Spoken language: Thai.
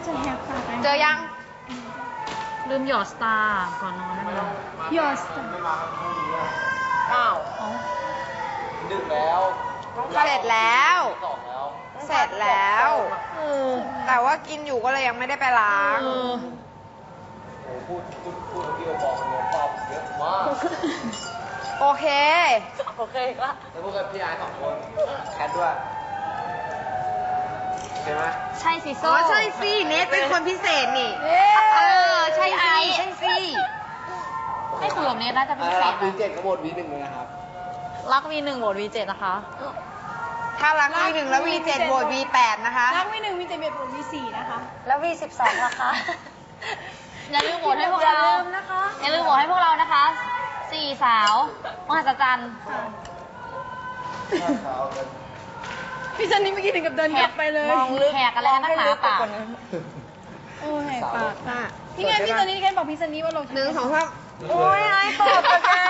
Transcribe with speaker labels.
Speaker 1: จะแหกปาก
Speaker 2: เจอยัง
Speaker 3: ลืมหยอดสตาร์ก่อนนอนนั่นเอง
Speaker 1: ยอส
Speaker 2: อ้าว
Speaker 4: ดึกแล้ว
Speaker 2: เสร็จแล้ว
Speaker 4: สองแล้ว
Speaker 2: เสร็จแล้ว แต่ว่ากินอยู่ก็เลยยังไม่ได้ไปล้าง
Speaker 4: โอ้พูดพี่โอบอกเนี่ยตอบเยอะมาก
Speaker 2: โอเค
Speaker 3: โอเคก็
Speaker 4: แล้วพูดกับพี่ไอ้สองคนแคทด้วยใช่ไหม
Speaker 3: ใช่สิ
Speaker 2: อ๋
Speaker 3: โซ่
Speaker 2: อใช่สิเนทเป็นคนพิเศษนี่ ใช่สิใช่สิ
Speaker 3: ให้คุยกับเนทน่าจะเป็นพิเศ
Speaker 4: รั
Speaker 3: ษ
Speaker 4: กวี
Speaker 3: นะ
Speaker 4: เจ็ดกระบดวีหนึ่งเลยนะครับ
Speaker 3: รัก V1 โหวต V7 นะคะ
Speaker 2: ถ้ารัก V1 แล้ว V7 โหวต V8 นะคะ
Speaker 1: รักV1 V7 โหวต V4 นะคะ
Speaker 3: แล้ว V12 ล่ะคะ อย่าลืมโหวตให้พวกเรา
Speaker 1: อย่าลืมนะคะ
Speaker 3: อย่าลืมโหวตให้พวกเรานะคะสี่สาวมหัศจรรย์
Speaker 1: พี่ซันนี่เมื่อกี้ถึงกับเดินกลับไปเลย
Speaker 3: มองลึกแหกอะไรนักหนาปาก
Speaker 1: โอ้แหกปากนี่ไงพี่ซันนี่แค่บอกพี่ซันนี่ว่าลง
Speaker 2: 1 2 3โอ้ยไอ้ตอบกับแก